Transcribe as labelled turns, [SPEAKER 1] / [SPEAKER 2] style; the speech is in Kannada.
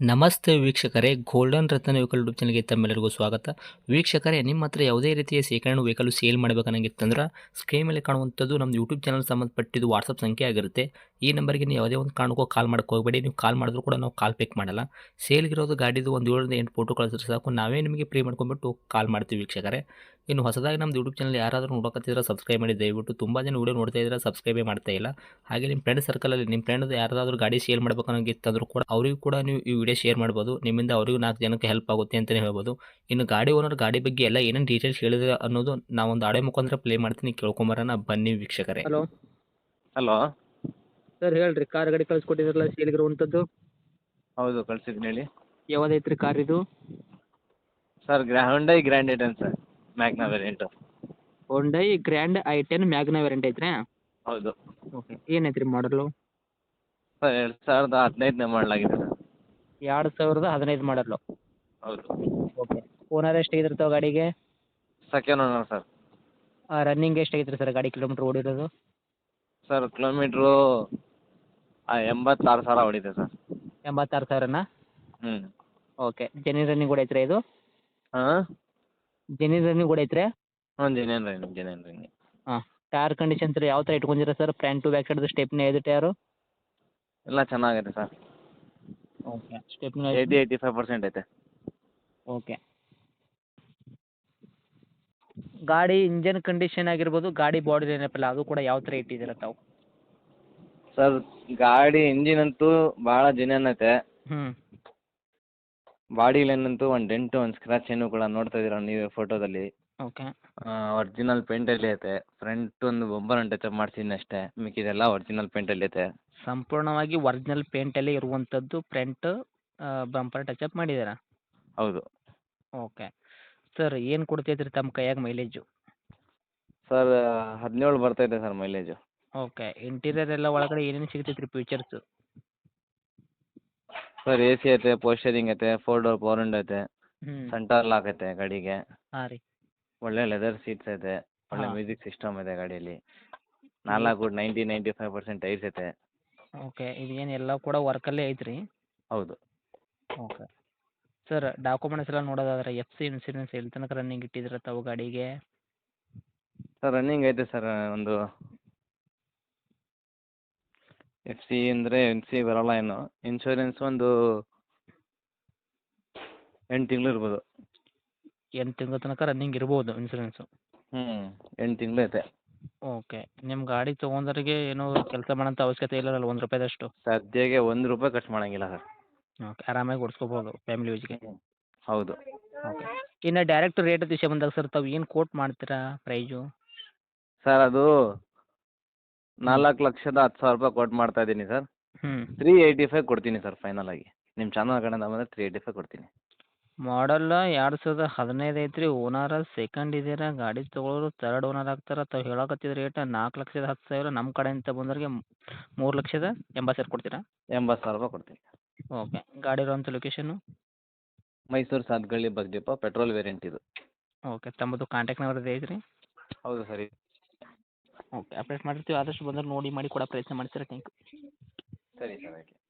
[SPEAKER 1] ನಮಸ್ತೆ ವೀಕ್ಷಕರೇ, ಗೋಲ್ಡನ್ ರತ್ನ ವೆಹಿಕಲ್ ಯೂಟ್ಯೂಬ್ ಚಾನಲ್ಗೆ ತಮ್ಮೆಲ್ಲರಿಗೂ ಸ್ವಾಗತ. ವೀಕ್ಷಕರೇ, ನಿಮ್ಮ ಹತ್ರ ಯಾವುದೇ ರೀತಿಯ ಶೇಖರಣೆ ವೆಹಿಕಲ್ ಸೇಲ್ ಮಾಡಬೇಕನ್ನಂಗಿತ್ತಂದ್ರೆ ಸ್ಕ್ರೀನ್ ಮೇಲೆ ಕಾಣುವಂಥದ್ದು ನಮ್ಮ ಯೂಟ್ಯೂಬ್ ಚಾನಲ್ ಸಂಬಂಧಪಟ್ಟಿದ್ದು ವಾಟ್ಸಪ್ ಸಂಖ್ಯೆ ಆಗಿರುತ್ತೆ. ಈ ನಂಬರ್ಗೆ ನೀವು ಯಾವುದೇ ಒಂದು ಕಾರಣಕ್ಕೂ ಕಾಲ್ ಮಾಡಕ್ಕೆ ಹೋಗಬೇಡಿ. ನೀವು ಕಾಲ್ ಮಾಡಿದ್ರು ಕೂಡ ನಾವು ಕಾಲ್ ಪಿಕ್ ಮಾಡಲ್ಲ. ಸೇಲ್ಗಿರೋದು ಗಾಡಿದು ಒಂದು 7ರಿಂದ 8 ಫೋಟೋ ಕಳಿಸಿದ್ರೆ ಸಾಕು, ನಾವೇ ನಿಮಗೆ ಪ್ರೀ ಮಾಡ್ಕೊಂಡ್ಬಿಟ್ಟು ಕಾಲ್ ಮಾಡ್ತೀವಿ ವೀಕ್ಷಕರೇ. ಇನ್ನು ಹೊಸದಾಗಿ ನಮ್ಮದು ಯೂಟ್ಯೂಬ್ ಚಾನಲ್ ಯಾರಾದರೂ ನೋಡೋಕತ್ತಿದ್ರೆ ಸಬ್ಸ್ಕ್ರೈಬ್ ಮಾಡಿ ದಯವಿಟ್ಟು. ತುಂಬ ಜನ ವೀಡಿಯೋ ನೋಡ್ತಾ ಇದ್ದಾರೆ, ಸಬ್ಸ್ಕ್ರೈಬೇ ಮಾಡ್ತಾ ಇಲ್ಲ. ಹಾಗೆ ನಿಮ್ಮ ಫ್ರೆಂಡ್ ಸರ್ಕಲಲ್ಲಿ ನಿಮ್ಮ ಫ್ರೆಂಡ್ ಯಾರಾದರೂ ಗಾಡಿ ಸೇಲ್ ಮಾಡಬೇಕನ್ನೋಂಗಿತ್ತಂದ್ರೂ ಕೂಡ ಅವರಿಗೂ ಕೂಡ ನೀವು ಈ ವಿಡಿಯೋ ಶೇರ್ ಮಾಡ್ಬೋದು. ನಿಮ್ಮಿಂದ ಅವರಿಗೂ 4 ಜನಕ್ಕೆ ಹೆಲ್ಪ್ ಆಗುತ್ತೆ ಅಂತಲೇ ಹೇಳ್ಬೋದು. ಇನ್ನು ಗಾಡಿ ಓನರ್ ಗಾಡಿ ಬಗ್ಗೆ ಎಲ್ಲ ಏನೇನು ಡೀಟೇಲ್ಸ್ ಹೇಳಿದ್ರೆ ಅನ್ನೋದು ನಾವೊಂದು ಆಡಿಯೋ ಮುಖಾಂತರ ಪ್ಲೇ ಮಾಡ್ತೀನಿ, ಕೇಳ್ಕೊಂಬರೋಣ ಬನ್ನಿ ವೀಕ್ಷಕರೇ.
[SPEAKER 2] Hello
[SPEAKER 3] hello.
[SPEAKER 2] ಸರ್ ಹೇಳ್ರಿ, ಕಾರ್ ಗಾಡಿ ಕಳ್ಸಿಕೊಟ್ಟಿದ್ರಲ್ಲ ಸೇಲ್ಗಿರುವಂಥದ್ದು,
[SPEAKER 3] ಹೌದು, ಕಳ್ಸಿದ್ದೀನಿ ಹೇಳಿ.
[SPEAKER 2] ಯಾವ್ದೈತ್ರಿ ಕಾರ್ ಇದು?
[SPEAKER 3] Sir Hyundai grand i ten sir, Magna variant.
[SPEAKER 2] Hyundai grand ಐ10 ಮ್ಯಾಗ್ನಾ ವೇರಿಯಂಟ್ ಐತ್ರಿ?
[SPEAKER 3] ಹೌದು
[SPEAKER 2] ಓಕೆ. ಏನೈತ್ರಿ ಮಾಡಲು?
[SPEAKER 3] ಸರ್ 2015ನೇ ಮಾಡಲಾಗಿದೆ ಸರ್.
[SPEAKER 2] 2015 ಮಾಡಲು.
[SPEAKER 3] ಹೌದು.
[SPEAKER 2] ಓಕೆ. ಓನರ್ ಎಷ್ಟಾಗಿರ್ತಾವೆ ಗಾಡಿಗೆ?
[SPEAKER 3] Second owner sir.
[SPEAKER 2] ರನ್ನಿಂಗ್ ಎಷ್ಟಾಗೈತ್ರಿ ಸರ್ ಗಾಡಿ ಕಿಲೋಮೀಟ್ರ್ ಓಡಿರೋದು?
[SPEAKER 3] ಸರ್ ಕಿಲೋಮೀಟ್ರು 86,000 ಹೊಡಿದೆ ಸರ್.
[SPEAKER 2] 86,000ನಾ?
[SPEAKER 3] ಹ್ಞೂ.
[SPEAKER 2] ಓಕೆ. ಜೆನ್ಯೂನ್ ರನ್ನಿಂಗ್ ಕೂಡ ಐತ್ರಿ ಇದು?
[SPEAKER 3] ಹಾಂ.
[SPEAKER 2] ಜೆನ್ಯೂನ್ ರನ್ನಿಂಗ್ ಕೂಡ ಐತ್ರಿ?
[SPEAKER 3] ಹಾಂ, ಜೆನ್ಯೂನ್ ರನ್ನಿಂಗ್.
[SPEAKER 2] ಹಾಂ. ಟೈರ್ ಕಂಡೀಷನ್ಸ್ ಯಾವ ಥರ ಇಟ್ಕೊಂಡಿರ ಸರ್? ಫ್ರಂಟ್ ಟು ಬ್ಯಾಕ್ ಸೈಡ್ದು ಸ್ಟೆಪ್ನಿ ಐದು ಟೈರು?
[SPEAKER 3] ಎಲ್ಲ ಚೆನ್ನಾಗಿದೆ ಸರ್.
[SPEAKER 2] ಓಕೆ. ಸ್ಟೆಪ್ನಿ
[SPEAKER 3] 85% ಐತೆ.
[SPEAKER 2] ಓಕೆ. ಗಾಡಿ ಇಂಜನ್ ಕಂಡೀಷನ್ ಆಗಿರ್ಬೋದು, ಗಾಡಿ ಬಾಡಿ ಏನಪ್ಪಲ್ಲ ಅದು ಕೂಡ ಯಾವ ಥರ ಇಟ್ಟಿದ್ದೀರ ತಾವು?
[SPEAKER 3] ಸರ್ ಗಾಡಿ ಇಂಜಿನ್ ಅಂತೂ ಭಾಳ ಜೆನ್ಯೂನ್ ಐತೆ.
[SPEAKER 2] ಹ್ಞೂ.
[SPEAKER 3] ಬಾಡಿ ಲೈನಂತೂ ಒಂದು ಡೆಂಟು ಒಂದು ಸ್ಕ್ರ್ಯಾಚ್ ಏನು ಕೂಡ ನೋಡ್ತಾ ಇದ್ದೀರ ನೀವೇ ಫೋಟೋದಲ್ಲಿ.
[SPEAKER 2] ಓಕೆ.
[SPEAKER 3] ಒರಿಜಿನಲ್ ಪೇಂಟಲ್ಲಿ ಐತೆ. ಫ್ರಂಟ್ ಒಂದು ಬಂಪರ್ ಟಚಪ್ ಮಾಡ್ಸಿದ್ದೀನಿ ಅಷ್ಟೇ, ಮಿಕ್ಕಿದೆಲ್ಲ ಒರಿಜಿನಲ್ ಪೇಂಟಲ್ಲಿ ಐತೆ.
[SPEAKER 2] ಸಂಪೂರ್ಣವಾಗಿ ಒರಿಜಿನಲ್ ಪೇಂಟಲ್ಲೇ ಇರುವಂಥದ್ದು, ಫ್ರಂಟ್ ಬಂಪರ್ ಟಚಪ್ ಮಾಡಿದ್ದೀರಾ?
[SPEAKER 3] ಹೌದು.
[SPEAKER 2] ಓಕೆ. ಸರ್ ಏನು ಕೊಡ್ತೈತೆ ರೀ ತಮ್ಮ ಕೈಯಾಗ ಮೈಲೇಜು?
[SPEAKER 3] ಸರ್ 17 ಬರ್ತೈತೆ ಸರ್ ಮೈಲೇಜು.
[SPEAKER 2] ಓಕೆ. ಇಂಟೀರಿಯರ್ ಎಲ್ಲ ಒಳಗಡೆ ಏನೇನು ಸಿಗ್ತೈತೆ ರೀ ಫೀಚರ್ಸು?
[SPEAKER 3] ಸರ್ AC ಐತೆ, ಪೋಸ್ಟರಿಂಗ್ ಐತೆ, 4 ಡೋರ್ ಪವರ್ ವಿಂಡೋ ಐತೆ,
[SPEAKER 2] ಹ್ಞೂ.
[SPEAKER 3] ಸೆಂಟರ್ ಲಾಕ್ ಐತೆ ಗಾಡಿಗೆ,
[SPEAKER 2] ಹಾಂ ರೀ.
[SPEAKER 3] ಒಳ್ಳೆ ಲೆದರ್ ಸೀಟ್ಸ್ ಐತೆ, ಒಳ್ಳೆ
[SPEAKER 2] ಹಾಂ.
[SPEAKER 3] ಮ್ಯೂಸಿಕ್ ಸಿಸ್ಟಮ್ ಇದೆ ಗಾಡಿಯಲ್ಲಿ. 95% ಟೈರ್ಸ್ ಐತೆ.
[SPEAKER 2] ಓಕೆ. ಇದು ಏನು ಎಲ್ಲ ಕೂಡ ವರ್ಕಲ್ಲೇ ಐತ್ರಿ?
[SPEAKER 3] ಹೌದು.
[SPEAKER 2] ಓಕೆ. ಸರ್ ಡಾಕ್ಯುಮೆಂಟ್ಸ್ ಎಲ್ಲ ನೋಡೋದಾದ್ರೆ FC ಇನ್ಸೂರೆನ್ಸ್ ಎಲ್ಲಿ ತನಕ ರನ್ನಿಂಗ್ ಇಟ್ಟಿದ್ದೀರ ತಾವು ಗಾಡಿಗೆ?
[SPEAKER 3] ಸರ್ ರನ್ನಿಂಗ್ ಐತೆ ಸರ್. ಒಂದು FC ಅಂದರೆ FC ಬರೋಲ್ಲ ಏನು, ಇನ್ಶೂರೆನ್ಸ್ ಒಂದು 8 ತಿಂಗಳು ಇರ್ಬೋದು.
[SPEAKER 2] 8 ತಿಂಗಳ ತನಕ ರನ್ನಿಂಗ್ ಇರ್ಬೋದು ಇನ್ಸೂರೆನ್ಸು?
[SPEAKER 3] 8 ತಿಂಗಳು ಐತೆ.
[SPEAKER 2] ಓಕೆ. ನಿಮ್ಮ ಗಾಡಿ ತೊಗೊಂಡವ್ರಿಗೆ ಏನೂ ಕೆಲಸ ಮಾಡೋಂಥ ಅವಶ್ಯಕತೆ ಇಲ್ಲಲ್ಲ ಒಂದು ರೂಪಾಯಿದಷ್ಟು?
[SPEAKER 3] ಸದ್ಯಕ್ಕೆ ₹1 ಖರ್ಚು ಮಾಡೋಂಗಿಲ್ಲ ಸರ್.
[SPEAKER 2] ಓಕೆ. ಆರಾಮಾಗಿ ಓಡಿಸ್ಕೋಬೋದು ಫ್ಯಾಮಿಲಿ ಯೂಸ್ಗೆ?
[SPEAKER 3] ಹೌದು.
[SPEAKER 2] ಓಕೆ. ಇನ್ನು ಡೈರೆಕ್ಟ್ ರೇಟ್ ವಿಷಯ ಬಂದಾಗ ಸರ್ ತಾವು ಏನು ಕೋಟ್ ಮಾಡ್ತೀರಾ ಪ್ರೈಜು?
[SPEAKER 3] ಸರ್ ಅದು 4,10,000 ಕೋಟ್ ಮಾಡ್ತಾ ಇದ್ದೀನಿ ಸರ್.
[SPEAKER 2] ಹ್ಞೂ.
[SPEAKER 3] 385 ಕೊಡ್ತೀನಿ ಸರ್ ಫೈನಲ್ ಆಗಿ. ನಿಮ್ಮ ಚಾನಲ್ ಕಡೆಯಿಂದ ಬಂದರೆ 385 ಕೊಡ್ತೀನಿ.
[SPEAKER 2] ಮಾಡಲ್ಲ 2015 ಐತ್ರಿ. ಓನರ ಸೆಕೆಂಡ್ ಇದ್ದೀರಾ, ಗಾಡಿ ತೊಗೊಳೋರು ತರ್ಡ್ ಓನರ್ ಆಗ್ತಾರೆ. ತಾವು ಹೇಳಕತ್ತಿದ ರೇಟ್ 4,10,000, ನಮ್ಮ ಕಡೆಯಿಂದ ಬಂದವ್ರಿಗೆ 3,80,000 ಕೊಡ್ತೀರಾ?
[SPEAKER 3] ₹80,000 ಕೊಡ್ತೀನಿ.
[SPEAKER 2] ಓಕೆ. ಗಾಡಿ ಇರೋಂಥ location?
[SPEAKER 3] Mysuru Sathagalli bus depot, petrol variant ಇದು.
[SPEAKER 2] ಓಕೆ. ತಮ್ಮದು ಕಾಂಟ್ಯಾಕ್ಟ್ ನಂಬರ್ ಇದೆ ಐತ್ರಿ?
[SPEAKER 3] ಹೌದು ಸರಿ.
[SPEAKER 2] ಓಕೆ. ಅಪ್ಡೇಟ್ ಮಾಡಿರ್ತೀವಿ, ಆದಷ್ಟು ಬಂದರೆ ನೋಡಿ ಮಾಡಿ ಕೊಡೋ ಪ್ರಯತ್ನ ಮಾಡ್ತೀರಾ. Thank you.
[SPEAKER 3] ಸರಿ ಸರ್, ಆಯ್ತು.